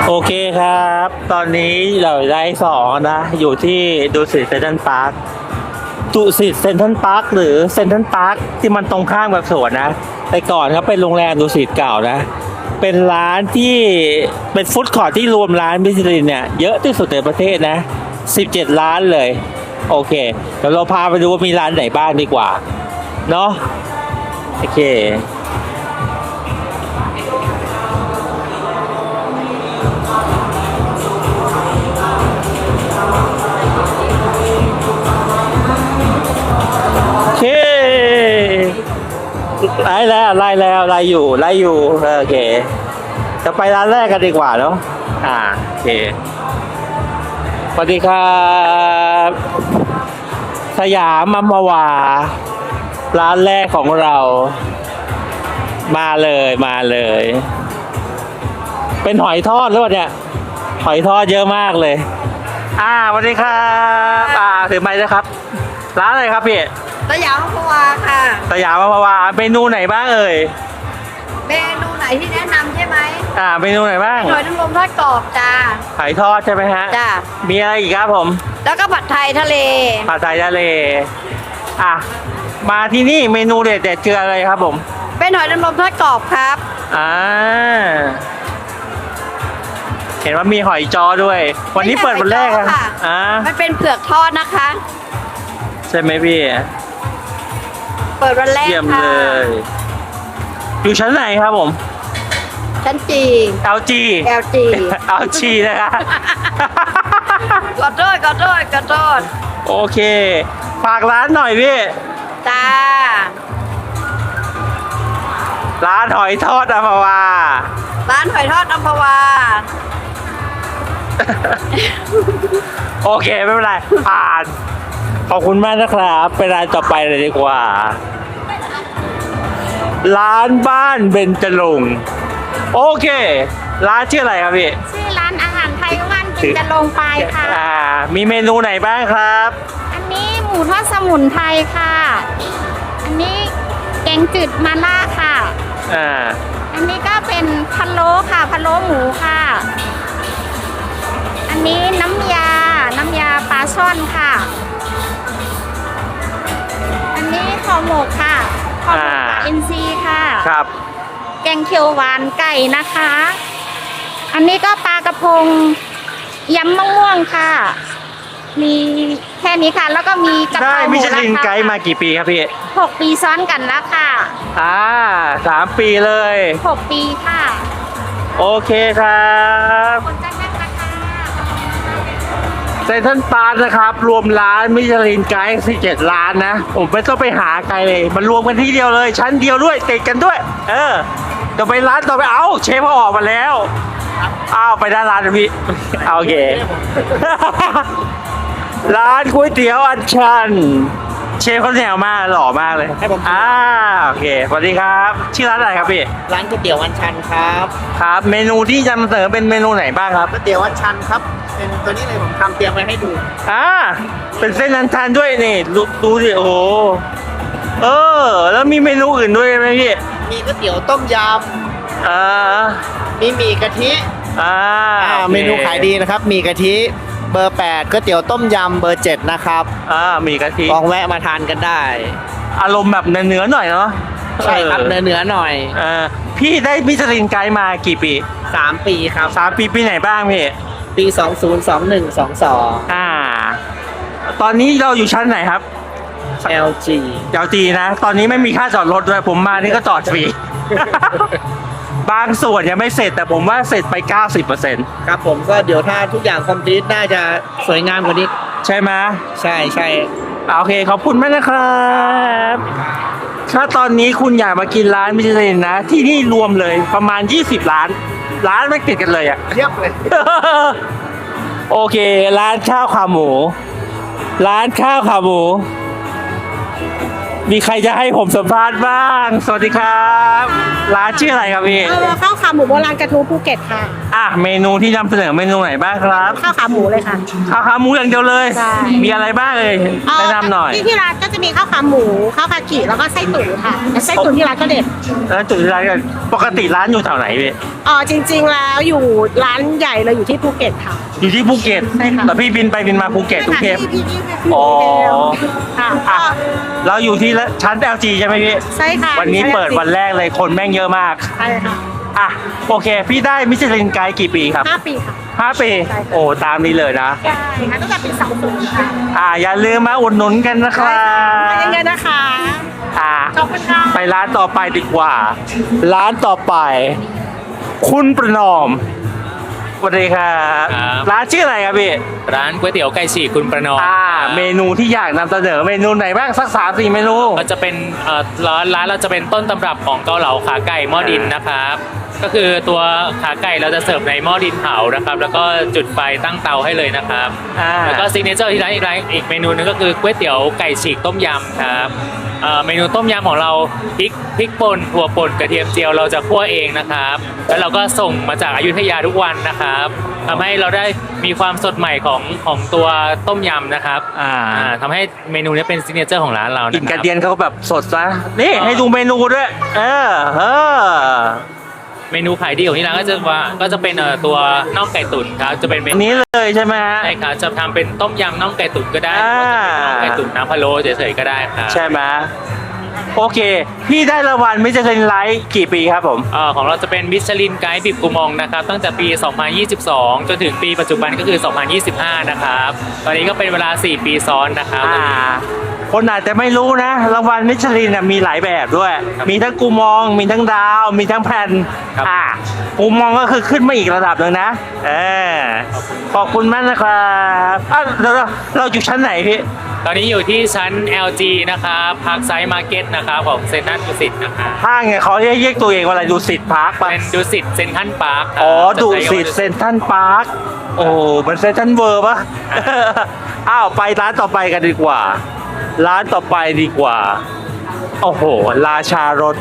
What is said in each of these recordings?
โอเคครับ ตอนนี้เราได้2นะอยู่ที่ดุสิตเซ็นทรัลพาร์คดุสิตเซ็นทรัลพาร์คหรือเซ็นทรัลพาร์คที่มันตรงข้ามกับสวนนะแต่ก่อนครับเป็นโรงแรมดุสิตเก่านะเป็นร้านที่เป็นฟู้ดคอร์ทที่รวมร้านมิชลินเนี่ยเยอะที่สุดในประเทศนะ17ร้านเลยโอเคเดี๋ยวเราพาไปดูว่ามีร้านไหนบ้างดีกว่าเนาะโอเคไล่แล้วไล่อยู่โอเคจะไปร้านแรกกันดีกว่าเนาะโอเคสวัสดีครับสยามอัมพวาร้านแรกของเรามาเลยเป็นหอยทอดหรือเปล่าเนี่ยหอยทอดเยอะมากเลยสวัสดีครับถือไมค์ด้วยครับร้านอะไรครับพี่สยามอัมพวาค่ะสยามอัมพวาเมนูไหนบ้างเอ่ยเมนูไหนที่แนะนำใช่ไหมเมนูไหนบ้างหอยนางรมทอดกรอบจ้าหอยทอดใช่ไหมฮะจ้ามีอะไรอีกครับผมแล้วก็ผัดไทยทะเลมาที่นี่เมนูเด็ดคืออะไรครับผมเป็นหอยนางรมทอดกรอบครับเห็นว่ามีหอยจอด้วยวันนี้เปิดวันแรกค่ะมันเป็นเผือกทอดนะคะใช่ไหมพี่เปิดวันแรกค่ะเยี่ยมเลยอยู่ชั้นไหนครับผมชั้นจี LG นะคะขอโทษโอเคฝากร้านหน่อยพี่จ้าร้านหอยทอดอัมพวาโอเคไม่เป็นไรผ่านขอบคุณมากนะครับไปร้านต่อไปเลยดีกว่าร้านบ้านเบญจรงค์โอเคร้านชื่ออะไรครับพี่ชื่อร้านอาหารไทยบ้านเบญจรงค์ไปค่ะมีเมนูไหนบ้างครับอันนี้หมูทอดสมุนไพรค่ะอันนี้แกงจืดมาล่าค่ะอันนี้ก็เป็นพะโล้ค่ะพะโล้หมูค่ะอันนี้น้ำยาปลาช่อนค่ะอันนี้ห่อหมกค่ะห่อหมกปลาอินทรีค่ะครับแกงเขียวหวานไก่นะคะอันนี้ก็ปลากระพงยำมะม่วงค่ะมีแค่นี้ค่ะแล้วก็มีกะเพราหมูมิชลินไกด์มากี่ปีครับพี่ 6 ปีซ้อนกันแล้วค่ะ 3 ปีเลย 6 ปีค่ะโอเคครับเซ็นทรัลพาร์คนะครับรวมร้านมิชลินไกด์17ร้านนะผมไม่ต้องไปหาไกลเลยมันรวมกันที่เดียวเลยชั้นเดียวด้วยติดกันด้วยต่อไปร้านต่อไปเชฟเขาออกมาแล้วไปด้านร้านนะพี่โอเคร้านก๋วยเตี๋ยวอัญชันเชฟเขาแนวมากหล่อมากเลยให้ผมโอเคสวัสดีครับชื่อร้านอะไรครับพี่ร้านก๋วยเตี๋ยวอัญชันครับเมนูที่จะนำเสนอเป็นเมนูไหนบ้างครับก๋วยเตี๋ยวอัญชันครับเป็นตัวนี้เลยผมทำเตรียมไว้ให้ดูเป็นเส้นอัญชันด้วยนี่ดูสิโอ้แล้วมีเมนูอื่นด้วยไหมพี่มีก๋วยเตี๋ยวต้มยำมีหมี่กะทิเมนูขายดีนะครับหมี่กะทิเบอร์8ก๋วยเตี๋ยวต้มยำเบอร์7นะครับหมี่กะทิลองแวะมาทานกันได้อารมณ์แบบเนื้อหน่อยเนาะใช่ครับเนื้อหน่อยพี่ได้มิชลินไกด์มากี่ปี 3 ปีครับ 3 ปีปีไหนบ้างพี่ปี20 21 22 ตอนนี้เราอยู่ชั้นไหนครับ LG นะตอนนี้ไม่มีค่าจอดรถด้วยผมมานี่ก็จอดฟรี บางส่วนยังไม่เสร็จแต่ผมว่าเสร็จไป 90% ครับผมก็เดี๋ยวถ้าทุกอย่างคอมพลีทน่าจะสวยงามกว่านี้ใช่ไหมใช่โอเคขอบคุณมากนะครับถ้าตอนนี้คุณอยากมากินร้านมิชลินนะที่นี่รวมเลยประมาณ20ร้านไม่ติดกันเลยเทียบเลยโอเคร้านข้าวขาหมูมีใครจะให้ผมสัมภาษณ์บ้างสวัสดีครับร้านชื่ออะไรครับพี่ข้าวขาหมูโบราณกระทู้ภูเก็ตค่ะเมนูที่นำเสนอเมนูไหนบ้างครับข้าวขาหมูเลยค่ะข้าวขาหมูอย่างเดียวเลยใช่มีอะไรบ้างเลยแนะนำหน่อยที่ร้านก็จะมีข้าวขาหมูข้าวขากิแล้วก็ไส้ตุ๋นค่ะแต่ไส้ตุ๋นที่ร้านก็เด็ดแล้วจุดที่ร้านกันปกติร้านอยู่แถวไหนพี่จริงๆแล้วอยู่ร้านใหญ่เลยอยู่ที่ภูเก็ตค่ะอยู่ที่ภูเก็ตใช่ค่ะแต่พี่บินไปบินมาภูเก็ตทุกเทปพี่อ๋อค่ะอ่ะเราอยู่ที่ชั้น LG ใช่ไหมพี่ใช่ค่ะวันนี้เปิดวันแรกเลยคนแม่งเยอะมากใช่ค่ะโอเค พี่ได้มิชลินไกด์กี่ปีครับ 5 ปีค่ะ 5 ปีใช่ค่ะโอ้ตามนี้เลยนะใช่ค่ะตั้งแต่ปี20ค่ะอย่าลืมมาอุดหนุนกันนะครับมาเยอะๆนะคะอ่าขอบคุณค่ะไปร้านต่อไปดีกว่า ร้านต่อไป คุณประนอมสวัสดีครับครับร้านชื่ออะไรครับพี่ร้านก๋วยเตี๋ยวไก่ฉีกคุณประนอมเมนูที่อยากนำเสนอเมนูไหนบ้างสัก3-4 เมนูก็จะเป็นร้านเราจะเป็นต้นตำรับของเกาเหลาขาไก่หม้อดินนะครับ ก็คือตัวขาไก่เราจะเสิร์ฟในหม้อดินเผานะครับ แล้วก็จุดไฟตั้งเตาให้เลยนะครับ แล้วก็ซิกเนเจอร์ที่ร้านอีกเมนูหนึงก็คือก๋วยเตี๋ยวไก่ฉีกต้มยำครับเมนูต้มยำของเราพริกป่นถั่วป่นกระเทียมเจียวเราจะคั่วเองนะครับ แล้วเราก็ส่งมาจากอยุธยาทุกวันนะครับทำให้เราได้มีความสดใหม่ของตัวต้มยำนะครับทำให้เมนูนี้เป็นซิกเนเจอร์ของร้านเราอินนะคกรัระบเดียนเขาแบบสดนะนี่ให้ดูเมนูด้วยเมนูขายดีของที่ร้านก็จะเป็นตัวน่องไก่ตุ๋นครับจะเป็นเมอันนูนี้เลยใช่ไหมฮะใช่ครับจะทำเป็นต้มยำน่องไก่ตุ๋นก็ได้หอ่ารือว่าจะเป็นน่องไก่ตุ๋นน้ำพะโล้เฉยๆก็ได้ครับใช่ไหมโอเค พี่ได้รางวัลมิชลินไลท์กี่ปีครับผมของเราจะเป็นมิชลินไกด์บิบกูมองนะครับตั้งแต่ปี 2022 จนถึงปีปัจจุบันก็คือ 2025 นะครับ ตอนนี้ก็เป็นเวลา 4 ปีซ้อนนะครับคนอาจจะไม่รู้นะ รางวัลมิชลินมีหลายแบบด้วยครับมีทั้งกูมอง มีทั้งดาว มีทั้งแผ่นครับกูมองก็คือขึ้นมาอีกระดับหนึ่งนะขอบคุณมากนะครับเราอยู่ชั้นไหนพี่ตอนนี้อยู่ที่ชั้น LG นะครับพาร์คไซด์มาร์เก็ตนะครับของเซ็นทรัลดุสิตนะครับห้างเนี่ยเขาเรียกตัวเองว่าอะไรดูสิทธิ์พาร์คปะเป็นดุสิตเซ็นทรัลพาร์คดูสิทธิ์เซนทรัลพาร์คโอ้มันเซนทรัลเวิร์ปะ ไปร้านต่อไปกันดีกว่า ร้านต่อไปดีกว่า โอ้โห ราชารถ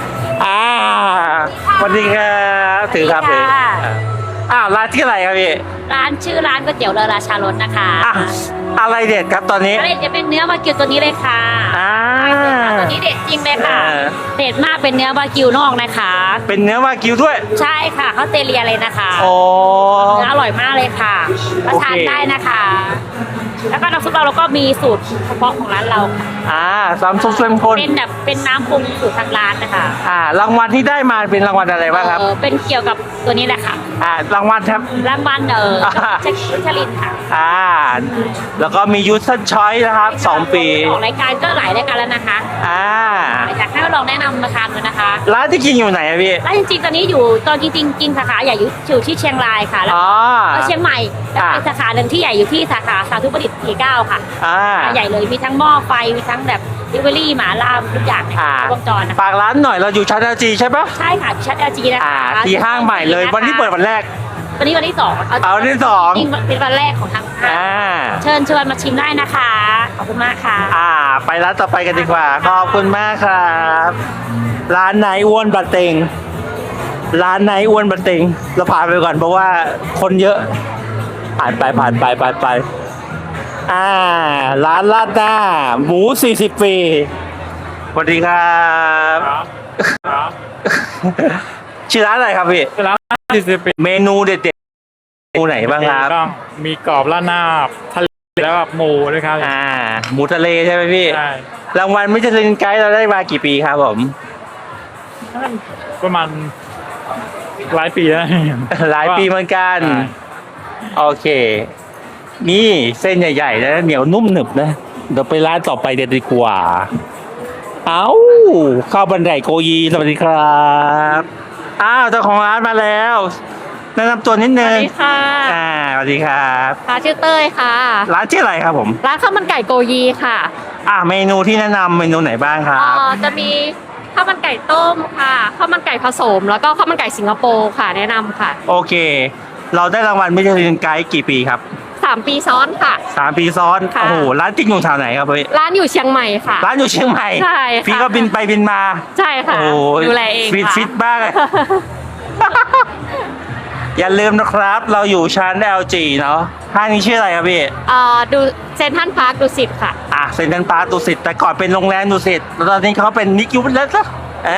สวัสดีครับถือครับถือร้านที่อะไรครับพี่ร้านชื่อร้านก๋วยเตี๋ยวเรือราชารสนะคะอะไรเด็ดครับตอนนี้อะไรจะเป็นเนื้อวากิวตัวนี้เลยค่ะ ตัวนี้เด็ดจริงเลยค่ะ เด็ดมากเป็นเนื้อวากิวนอกนะคะเป็นเนื้อวากิวด้วยใช่ค่ะเขาเตเลียเลยนะคะโอ้เนื้ออร่อยมากเลยค่ะมาทานได้นะคะ แล้วก็น้ำซุปเราก็มีสูตรเฉพาะของร้านเราค่ะสามซุปเข้มข้นเป็นแบบเป็นน้ำปรุงสูตรทางร้านนะคะรางวัลที่ได้มาเป็นรางวัลอะไรบ้างครับเป็นเกี่ยวกับตัวนี้แหละค่ะรางวัลครับรางวัลเช็คชลินค่ะแล้วก็มียูสชอยนะครับ2 ปีออกรายการก็หลายรายการแล้วนะคะ อยากให้ลองแนะนำมาทานดูนะคะร้านที่กินอยู่ไหนอะพี่แล้วจริงๆ ตอนนี้อยู่ตอนจริงๆ สาขาใหญ่อยู่ที่เชียงรายค่ะ แล้วก็เชียงใหม่แล้วก็สาขาหนึ่งที่ใหญ่อยู่ที่สาขาสาธุประดิษฐ์49 ค่ะ ใหญ่เลยมีทั้งหม้อไฟมีทั้งแบบดิเวอรี่หมาล่าทุกอย่างในวงจรนะคะฝากร้านหน่อยเราอยู่ชั้น LG ใช่ปะใช่ค่ะชั้น LG นะคะที่ห้างใหม่เลยวันที่เปิดวันแรกวันนี้วันที่สองวันที่สองจริงๆเป็นวันแรกของทางห้างเชิญชวนมาชิมได้นะคะขอบคุณมากค่ะไปร้านต่อไปกันดีกว่า ขอบคุณมากครับ ร้านไหนอ้วนบัดเต็ง ร้านไหนอ้วนบัดเต็ง เราผ่านไปก่อนเพราะว่าคนเยอะ ผ่านไปร้านลาดหน้า หมู 40 ปีสวัสดีครับ ชื่อร้านอะไรครับพี่ร้าน40 ปีเมนูเด็ดๆเมนูไหนบ้างครับก็มีกรอบราดหน้าทะเลแล้วก็หมูด้วยครับหมูทะเลใช่ไหมพี่ใช่รางวัลมิชลินไกด์เราได้มากี่ปีครับผมประมาณหลายปีแล้วหลายปีเหมือนกันใช่โอเค นี่เส้นใหญ่ๆนะเหนียวนุ่มหนึบนะ เดี๋ยวไปร้านต่อไปเด็ดดีกว่า ข้าวบันไดโกยีสวัสดีครับเจ้าของร้านมาแล้วแนะนำตัวนิดนึสวังสดีค่ะสวัสดีครับค่ะชื่อเต้ยค่ะร้านชื่ออะไรครับผมร้านข้าวมันไก่โกยีค่ะเมนูที่แนะนำเมนูไหนบ้างครับจะมีข้าวมันไก่ต้มค่ะข้าวมันไก่ผสม แล้วก็ข้าวมันไก่สิงคโปร์ค่ะแนะนำค่ะโอเค เราได้รางวัลมิชลินไกด์กี่ปีครับ 3 ปีซ้อนค่ะ 3 ปีซ้อนค่ะโอ้โหร้านจริงอยู่แถวไหนครับพี่ร้านอยู่เชียงใหม่ค่ะร้านอยู่เชียงใหม่ใช่ค่ะพี่ก็บินไปบินมาใช่ค่ะโอ้ดูแลเองฟิตค่ะฟิตมากเลย อย่าลืมนะครับ เราอยู่ชั้น LG เนาะห้างนี้ชื่ออะไรครับพี่ดูเซนทรัลพาร์คดุสิตค่ะเซ็นทรัลพาร์คดุสิตแต่ก่อนเป็นโรงแรมดุสิตแล้วตอนนี้เขาเป็นนิกยูแล้วซะ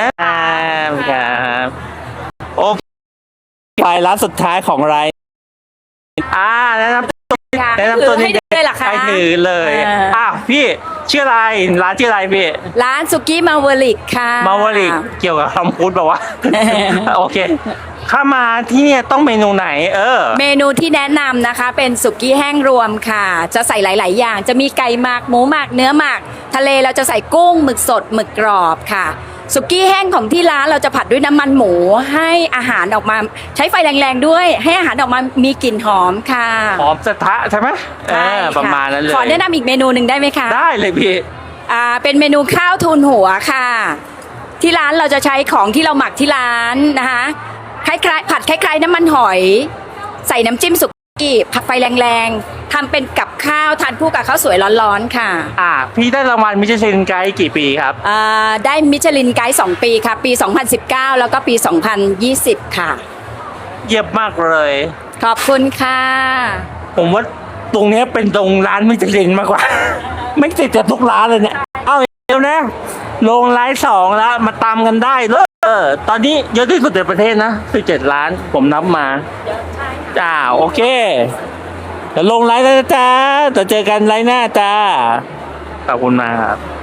ครับโอ้ไปร้านสุดท้ายของรายแนะนำแนะนำตัวให้ดูเลยเหรอคะไปถือเลย พี่ชื่ออะไรร้านชื่ออะไรพี่ร้านสุกี้มาวลิกค่ะมาวลิกเกี่ยวกับคำพูดแบบว่า โอเคถ้ามาที่เนี่ยต้องเมนูไหนเมนูที่แนะนำนะคะเป็นสุกี้แห้งรวมค่ะ จะใส่หลาย ๆ อย่าง จะมีไก่หมักหมูหมักเนื้อหมัก ทะเลเราจะใส่กุ้งหมึกสดหมึกกรอบค่ะ สุกี้แห้งของที่ร้านเราจะผัดด้วยน้ำมันหมูให้อาหารออกมาใช้ไฟแรง ๆ ด้วย ให้อาหารออกมามีกลิ่นหอมค่ะหอมกระทะใช่ไหมใช่ค่ะประมาณนั้นเลยขอแนะนำอีกเมนูหนึ่งได้ไหมคะได้เลยพี่เป็นเมนูข้าวทูนหัวค่ะ ที่ร้านเราจะใช้ของที่เราหมักที่ร้านนะคะคล้ายๆผัดคล้ายๆน้ำมันหอย ใส่น้ำจิ้มสุกี้ผัดไฟแรงๆทำเป็นกับข้าวทานคู่กับข้าวสวยร้อนๆค่ะพี่ได้รางวัลมิชลินไกด์กี่ปีครับได้มิชลินไกด์2 ปีค่ะ ปี 2019 แล้วก็ปี 2020 ค่ะเยี่ยมมากเลยขอบคุณค่ะผมว่าตรงเนี้ยเป็นตรงร้านมิชลินมากกว่า ไม่ติดจากทุกร้านเลยเนี่ย เอาเดี๋ยวนะลงไลฟ์2แล้วมาตามกันได้เลยตอนนี้เยอะที่สุดในประเทศนะ17 ล้านผมนับมาโอเคเดี๋ยวลงไลฟ์แล้วนะจ้าเดี๋ยวเจอกันไลฟ์หน้าจ้าขอบคุณมากครับ